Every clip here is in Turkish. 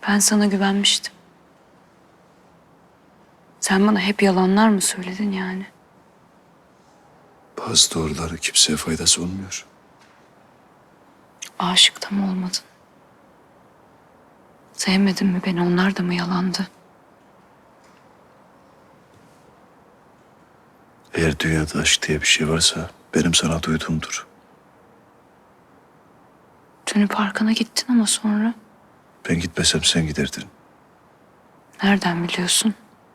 Ben sana güvenmiştim. Sen bana hep yalanlar mı söyledin yani? Bazı doğruları kimseye faydası olmuyor. Aşık da mı olmadın? Sevmedin mi beni? Onlar da mı yalandı? Eğer dünyada aşk diye bir şey varsa benim sana duyduğumdur. Dönüp parkına gittin ama sonra. Ben gitmesem sen giderdin. Nereden biliyorsun?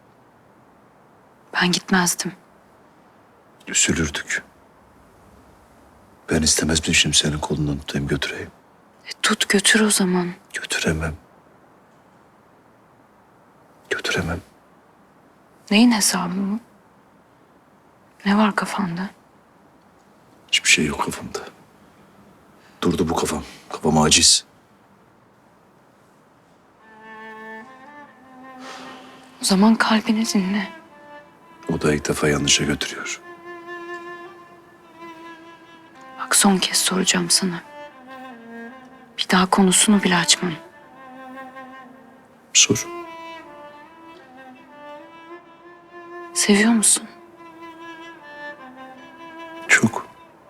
Ben gitmezdim. Üzülürdük. Ben istemezmişim senin kolundan tutayım götüreyim. Tut götür o zaman. Götüremem. Götüremem. Neyin hesabı bu? Ne var kafanda? Hiçbir şey yok kafamda. Durdu bu kafam. Kafam aciz. O zaman kalbini dinle. O da ilk defa yanlışa götürüyor. Bak son kez soracağım sana. Bir daha konusunu bile açmam. Sor. Seviyor musun? Çok.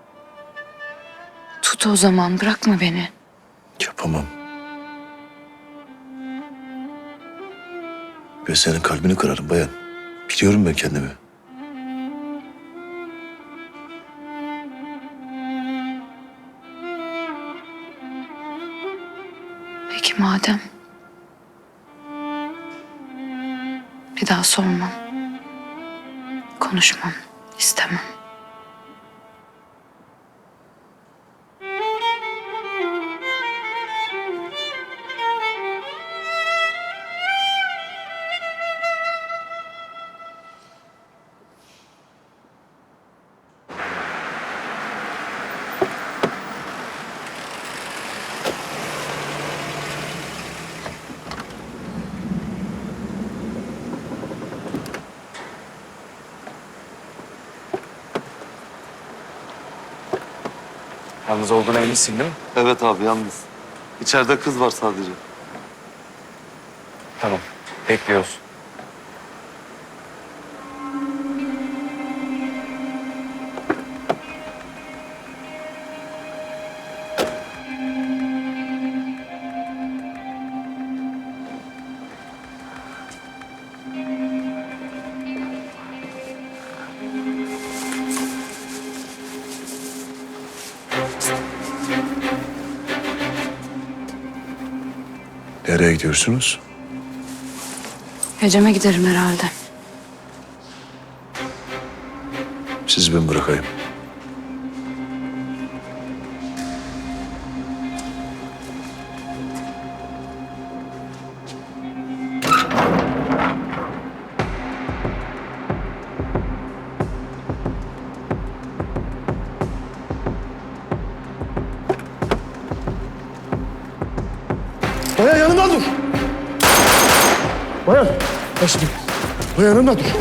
Tut o zaman bırakma beni. Yapamam. Ben senin kalbini kırarım bayan. Biliyorum ben kendimi. Peki madem. Bir daha sormam. Konuşmam. İstemem. Yalnız olduğuna eminsin değil mi? Evet abi yalnız. İçeride kız var sadece. Tamam. Bekliyoruz. Nereye gidiyorsunuz? Ecem'e giderim herhalde. Sizi ben bırakayım. Bayan yanımda dur. Bayan. Başım. Bayan yanımda dur.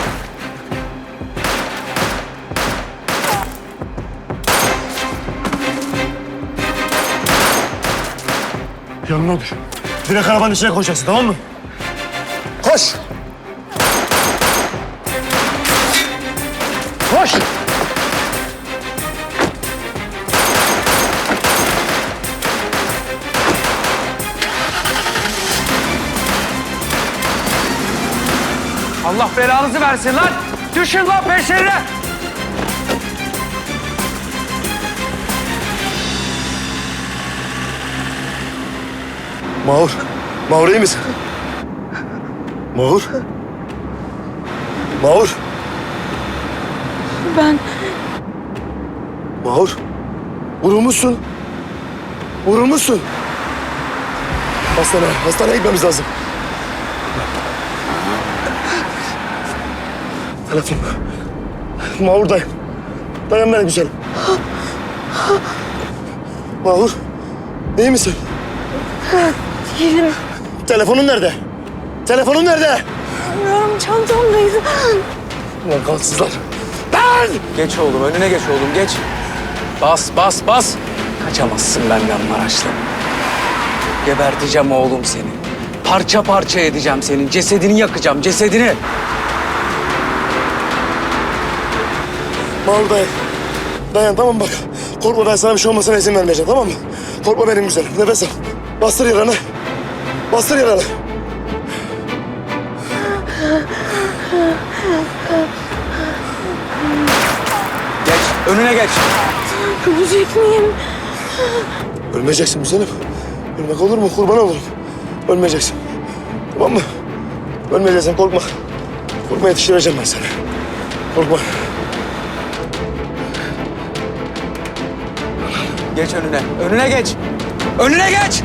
Yanımda dur. Direkt arabanın içine koşacaksın, tamam mı? Koş. Koş. Allah belanızı versin lan! Düşün lan peşlerine! Mahur. Mahur iyi misin? Mahur. Mahur. Ben Mahur. Vurulmuşsun. Vurulmuşsun. Hastaneye gitmemiz lazım. Telefon. Mahur'dayım. Dayan benim güzelim. Mahur. İyi misin? Değilim. Telefonun nerede? Telefonun nerede? Bilmiyorum, çantamdaydı. Ulan kansızlar. Ben! Geç oğlum, önüne geç oğlum, geç. Bas, bas, bas. Kaçamazsın benden Maraşlı. Geberteceğim oğlum seni. Parça parça edeceğim senin. Cesedini yakacağım, cesedini. Mahmut dayan. Dayan tamam mı bak. Korkma ben sana bir şey olmasına izin vermeyeceğim tamam mı? Korkma benim güzelim. Nefes al. Bastır yaranı. Bastır yaranı. Geç, önüne geç. Ölecek miyim? Ölmeyeceksin güzelim. Ölmek olur mu? Kurban olurum. Ölmeyeceksin. Tamam mı? Ölmeyeceksin korkma. Korkma yetiştireceğim ben seni. Korkma. Geç önüne, önüne geç. Önüne geç.